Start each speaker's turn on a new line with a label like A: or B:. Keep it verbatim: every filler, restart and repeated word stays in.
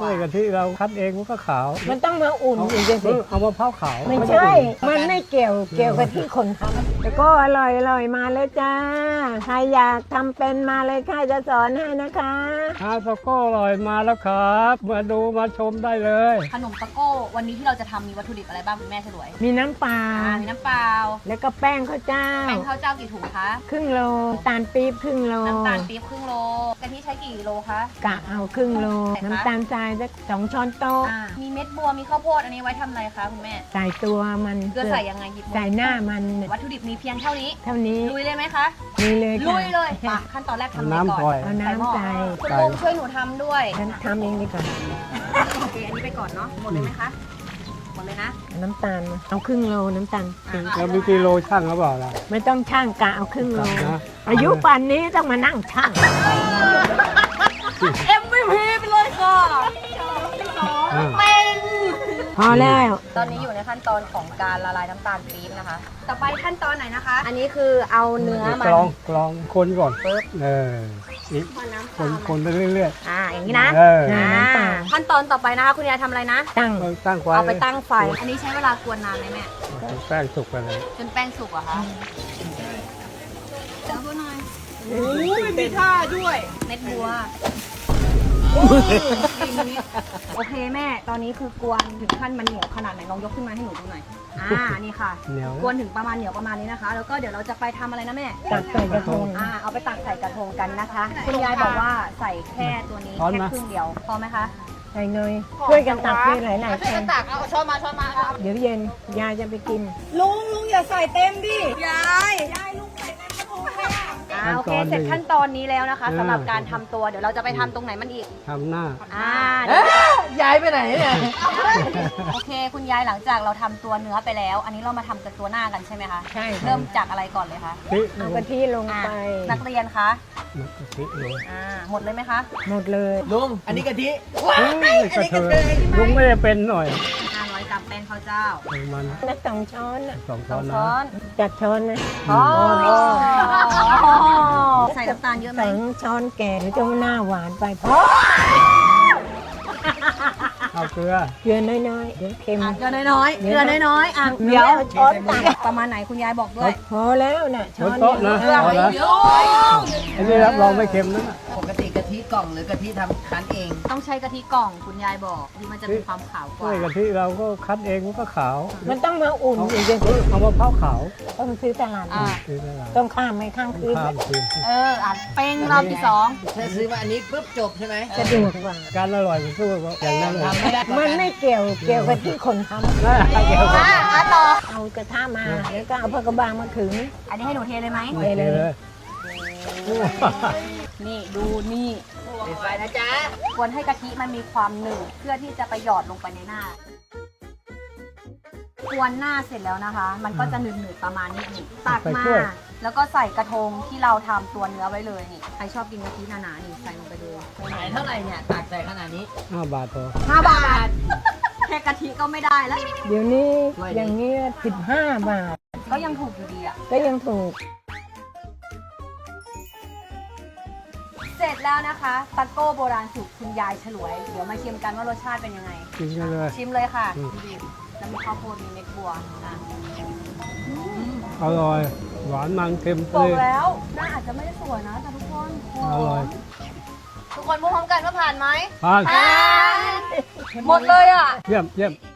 A: กว่ากะทิเราคั้นเองมันก็ขาว
B: มันต้องมาอุ่นอีกสิ
A: เอามะพร้าวขาว
B: ไม่ใช่ มันไม่เกี่ยวเกี่ยวกับที่คนทำแต่ก็อร่อยอร่อยมาเลยจ้าใครอยากทำเป็นมาเลยค่ะจะสอนให้นะคะ
A: ข้าวตะโก้อร่อยมาแล้วครับมาดูมาชมได้เลย
C: ขนมตะโก้วันนี้ที่เราจะทำมีวัตถุดิบอะไรบ้างคุณแม่ฉลวย
B: มีน้ำปลา
C: อ่ามีน้ำเปล่า
B: แล้วก็แป้งข้าวเจ้า
C: แป้งข้าวเจ้ากี่ถุงคะ
B: ครึ่งโลตาลปี๊บครึ่งโล
C: น้ำตาลปี๊บครึ่งโลกะทิใช้กี่โลคะ
B: กะเอาครึ่งโลน้ำตาลทรายสักสองช้อนโต๊ะ
C: อ่ามีเม็ดบัวมีข้าวโพดอันนี้ไว้ทำอะไรคะคุณแม่
B: ใส่ตัวมัน
C: เกลือใส่ยังไงหยิบมือ
B: ใส่หน้ามัน
C: วัตถุดิบมีเพียงเท่านี้
B: เท่านี้
C: ลุยเลยไหมคะ
B: นี่เลย
C: ลุ
B: ค่ะ
C: ยเลยมาขั้นตอนแรกทำอะไรก่อน
A: น้ำปล่อย
B: เอาน้ำใส่
C: คุณลุงช่วยหนูทำด้วย
B: ฉันทำเองดีกว่า
C: โอเคอันนี้ไปก่อนเนาะหมดเลยไหมคะหมดเลยนะ
B: น้ำตาลมาเอาครึ่งโลน้ำตาลปี๊บ
A: แล้วมีกิโลช่างหรือเปล่าล่ะ
B: ไม่ต้องช่างกะเอาครึ่งโล
A: นะ
B: อายุป่านนี้ต้องมานั่งช่าง
C: เอ็ม วี พี ไปเลยค่ะ
A: อ่า
C: เป็น
B: พอแล้ว
C: ตอนนี้อยู่ในขั้นตอนของการละลายน้ำตาลปี๊บนะคะ ต่อไปขั้นตอนไหนนะคะ อันนี้คือเอาเนื้อมัน
A: กรองกรองคนก่อน
C: ปึ๊บ
A: เอออีก
C: พอน้ำ
A: ค
C: ตาน ล
A: คนไปเรื่อย
C: อ่าอย่างนี้นะ
A: เออ
C: อ่า
B: น้ำตาล
C: ขั้นตอนต่อไปนะคะคุณยายทำอะไรนะ
B: ตั้ง
A: ๆตั้งไฟ
C: เอาไปตั้งไฟ อันนี้ใช้เวลากวนนานไหมแม่
A: แป้งสุกไปเลย
C: จนแป้งสุกเหรอะคะจับบัวหน่อย
B: โอ้ย
C: มีท่าด้วย เม็ดบัว โอเคแม่ ตอนนี้คือกวนถึงขั้นมันเหนียวขนาดไหนลองยกขึ้นมาให้หนูดูหน่อย อ่า นี่ค่ะ
A: เหนียว
C: กวนถึงประมาณเหนียวประมาณนี้นะคะ แล้วก็เดี๋ยวเราจะไปทำอะไรนะแม่
B: ตักใส่กระทง
C: อ่า เอาไปตักใส่กระทงกันนะคะ คุณยายบอกว่าใส่แค่ตัวนี้แค่ครึ่งเดียว พอไหมคะ
B: ใส่เนยช่วยกันตักด้วยหลายหลายๆคน
C: ตักเอาช้อนมาช้อนมาครับ
B: เดี๋ยวเย็นยายจะไปกิน
C: ลุงลุงอย่าใส่เต็มดิ ยายยายลุงใส่เต็มกระทงเลยอ่าโอเค เสร็จขั้นตอนนี้แล้วนะคะสำหรับการทำตัว เดี๋ยวเราจะไปทำตรงไหนมันอีก
A: ทำหน้า
C: อ่า
D: ย้ายไปไหนเนี่ย
C: โอเค คุณยายหลังจากเราทำตัวเนื้อไปแล้ว อันนี้เรามาทำกับตัวหน้ากันใช่ไหมคะ
B: ใช่ค่ะ
C: เริ่มจากอะไรก่อนเลยคะ
A: พริก
B: เอากะทิลง
C: อ่า
B: ไป
C: นักเรียนคะ
A: น้ำกะทิลง
C: อ่าหมดเลยไหมคะ
B: หมดเลย
D: ลุง อันนี้กะทิ
A: กระเทยลุงไม่ได้เป็นหน่อย
C: ห้าร้อยกรัมแป้งข้าวเจ้า
A: ประมาณ
B: นักสองช้อนน่ะ
A: สอง
C: ส
A: ช้อ
C: อน ง
A: นะ
C: ช้อน
B: จัดช้อนนะ
C: อ๋อใส่น้ำตาลเยอะไหม
B: สองช้อนแก่หรือจะหน้าหวานไปพอ
A: เอาเกลือ
B: เกลือน้อยๆเดี๋ยวเค็ม
C: อ่ะเกลือน้อยๆเกลือน้อยๆอ่ะ
B: เดี๋
C: เดี๋ย
B: ยว วช้อนตัก
C: ประมาณไหนคุณยายบอกด้วย
B: พอแล้วน่ะ
A: บ
B: ช้อน น
A: โต๊ะนะ
B: เดียว
A: เอาละ
C: เดี๋ยว
A: อันนี้รับรองไม่เค็มนะ
D: ปกติกะทิกล่องหรือกะทิทำคั้นเอง
C: ต้องใช้กะทิกล่องคุณยายบอกที่มันจะมีความขาวก
A: กล้
C: ว่า
A: วยกะทิเราก็คั้นเองมันก็ขาว
B: มันต้องมาอุ่น
A: เอา
B: อีกสิ
A: เอามะพร้าวขาว
B: ต้องซื้อตลาด
C: อ่า
A: คือตลาด
B: ต้องข้ามไปข้างคืน
A: ข้ามคืน
C: เอออ่ะเป้งรอบที่สอง
D: ถ้าซื้อมาอันนี้ปุ๊บจบใช่ไหม
B: สะดวกกว่า
A: การอร่อยมันสู้กับอย่างนั้นเลย
D: ทำไม่ได้
B: มันไม่เกี่ยวเกี่ยวกับที่คนทำ
A: น่าเกี่ยวกัน
C: อ่ะอ่ะต่อ
B: เอากระทะมาแล้วก็เอาผ้ากระบางมาขึง
C: อันนี้ให้หนูเทเลยไหม
A: โอเคเลย
C: นี่ดูนี่
D: ปิดไฟนะจ๊ะ
C: ควรให้กะทิมันมีความหนืดเพื่อที่จะไปหยอดลงไปในหน้า กวนหน้าเสร็จแล้วนะคะ มันก็จะหนืดๆประมาณนี้นี่ตักมา แล้วก็ใส่กระทงที่เราทำตัวเนื้อไว้เลยนี่ ใครชอบกินกะทิหนาๆนี่ใส่ลงไปเลย
D: ขายเท่าไหร่เนี่ยตากใส่ขนาดนี้
A: ห้าบาทพอ
C: ห้าบาท แค่กะทิก็ไม่ได้แล้ว
B: เดี๋ยวนี้
D: ด้วยดิ
B: อย่างนี้สิบห้าบาท
C: ก็ยังถูกอยู่ดีอะ
B: ก็ยังถูก
C: เสร็จแล้วนะคะตะโก้โบราณสูตรคุณยายฉลวย เดี๋ยวมาชิมกันว่ารสชาติเป็นยังไง
A: กินกันเลย
C: ชิมเลยค่ะ
A: อืม
C: แล้วมีข้าวโพดมีเม็ดบัวอ่ะ
A: อร่อย หวานมันเค็ม
C: บ
A: เล
C: อก
A: ย
C: แล้วหน้าอาจจะไม่ได้สวยนะแต่ทุกคนหอ
A: อร่อย
C: มทุกคนพูดพร้อมกันว่าผ่านไหม
A: ผ่าน
C: ผ่านหมดเลยอ่ะ
A: เยี่ยมเยี่ยม